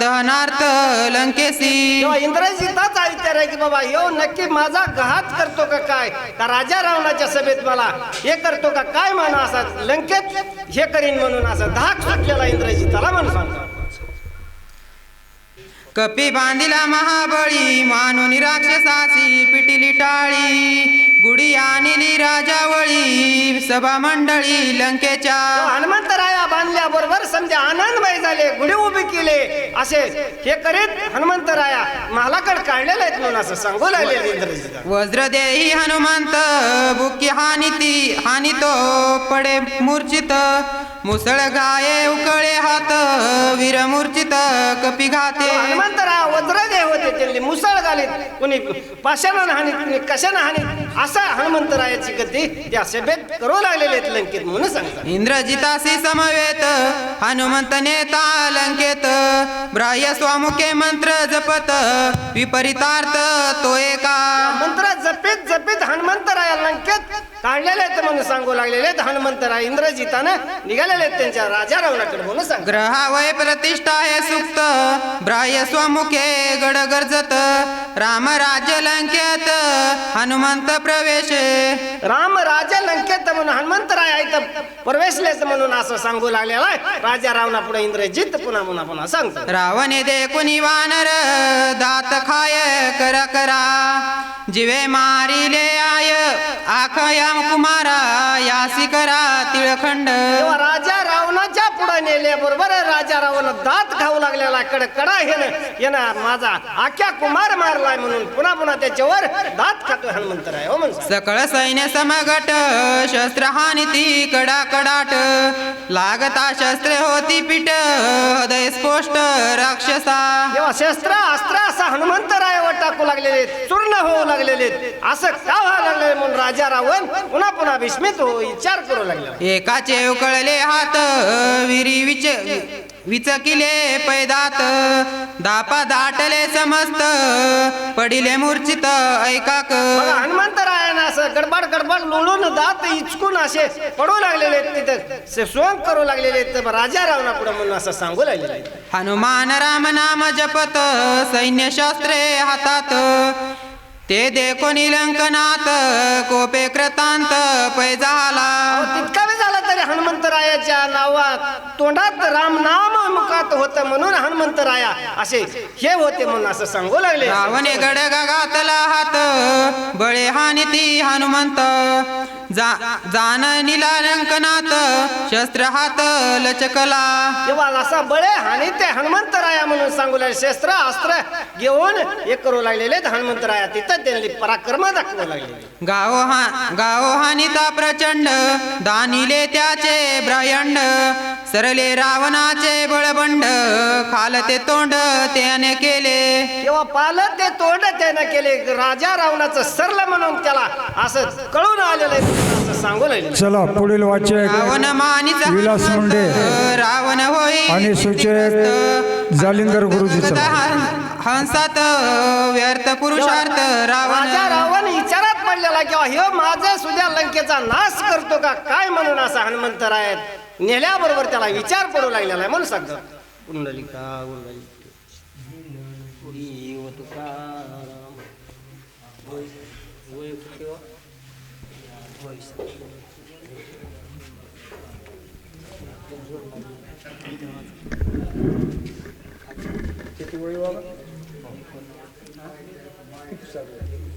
दहनार्थ लंकेशी. तेव्हा इंद्रजिताचा विचार आहे की बाबा यो नक्की माझा घात करतो का काय, का राजा रावणाच्या सभेत मला हे करतो का काय म्हणून असा लंकेत हे करीन म्हणून असा धाक सुटलेला इंद्रजिताला म्हणून सांगतो. कपी बांधिला महाबळी मानून राक्षसाची पिटिली टाळी. गुढी आणली राजावळी सभा मंडळी लंकेच्या. हनुमंतराया बांधल्या बरोबर समजा आनंदमय झाले, गुढी उभी केले असे हे करीत हनुमंतराया महालाकड काढलेले आहेत म्हणून असं सांगू लागले इंद्रजिता. वज्र देही हनुमंत बुकी हानितो पडे मूर्छित. मुसळ गाये उकळे हात वीर मूर्छित कपी घाते. हनुमंतराया वज्रदेह होते, त्यांनी मुसळ घालीत, कुणी पाशानं हानीत, कुणी कशानं हानीत, असा हनुमंतरायाची गती त्या सभेत करू लागलेले आहेत लंकेत म्हणून सांगतात. इंद्रजितासी समवेत हनुमंत नेता लंकेत. ब्राह्य स्वामुखे मंत्र जपत विपरीतार्थ तो एका. मंत्र जपित जपित हनुमंतराया लंकेत काढलेले आहेत म्हणून सांगू लागलेले आहेत. हनुमंतराय इंद्रजितानं निघालेले आहेत त्यांच्या राजा रावणाकडे म्हणून सांग. ग्रहावय प्रतिष्ठा हे सुक्त ब्राह्य स्वमुखे गड गरजत. राम राज्य लंकेत हनुमंत प्रवेश. राम राजा लंकेत म्हणून हनुमंतराय इथं प्रवेशलेच म्हणून असं सांगू लागलेला आहे. राजा रावणा पुढे इंद्रजित पुन्हा पुन्हा पुन्हा सांगतो. रावणे दे कुणी वानर दात खाय करा करा. जिवे मारिले आय आखया कुमारा यासी करा तिळखंड. तेव्हा राजा रावणाच्या पुढे नेले बरोबर राजा रावण दात खाऊ लागलेला कडकडा येणं माझा आख्या कुमार मारलाय म्हणून पुन्हा पुन्हा त्याच्यावर दात खातो हनुमंतराय हो म्हणून. सकळ सैन्य समगट शस्त्र हानिती कडा कडाट. लागता शस्त्रे होती पीठ हृदय स्पोष्ट राक्षसा. तेव्हा शस्त्र अस्त्र असा हनुमंतरायावर टाकू लागलेले, चूर्ण होऊ लागलेले. असं का व्हायला लागले म्हणून राजा रावण पुन्हा पुन्हा विस्मित हो विचार करू लागला. एकाचे उकळले हात विरी विचकिले पैदात. दापा दाटले समस्त पडिले मूर्छित ऐकाक. हनुमंतरायानं असं गडबड गडबड लोळून दात इचकून असे पडू लागलेले तिथे सोंग करू लागलेले राजा रावणा पुढे म्हणून असं सांगू लागलेले. हनुमान राम नाम जपत सैन्य शास्त्रे हातात. ते देखो निलंकनात कोपे कृतांत पै झाला. तितका वेळ झाला तरी हनुमंतरायाच्या नावात तोंडात राम नाम मुखात होत म्हणून हनुमंतराया असे हे होते म्हणून असं सांगू लागले. रावणे गडगा घातला हात बळे हानिती हनुमंत. जान निलंकनात शस्त्र हात लचकला. तेव्हा असा बळे हानी ते हनुमंतराया म्हणून सांगू लागले. शस्त्र अस्त्र घेऊन हे करू लागलेले हनुमंतराया तिथं त्यांनी पराक्रम दाखवू लागले. गाव हानिता प्रचंड दानिले त्याचे ब्रह्मांड. सरले रावणाचे बळबंड खालते तोंड त्याने केले. तेव्हा पालत ते तोंड त्याने केले. राजा रावणाचं सरलं म्हणून त्याला असं कळून आलेलं असं सांगू लागले. चला पुढील वाचक रावण मानिचा विलास मुंडे रावण होई आणि सूचक जालिंदर गुरुजीचा. हंसात व्यर्थ पुरुषार्थ रावण. राजा रावण विचारात पडलेला किंवा हे माझं सुद्धा लंकेचा नाश करतो का काय म्हणून असा हनुमंतराय नेल्याबरोबर त्याला विचार पडू लागलेला आहे म्हणून सांगतात. कुंडलिका किती वेळ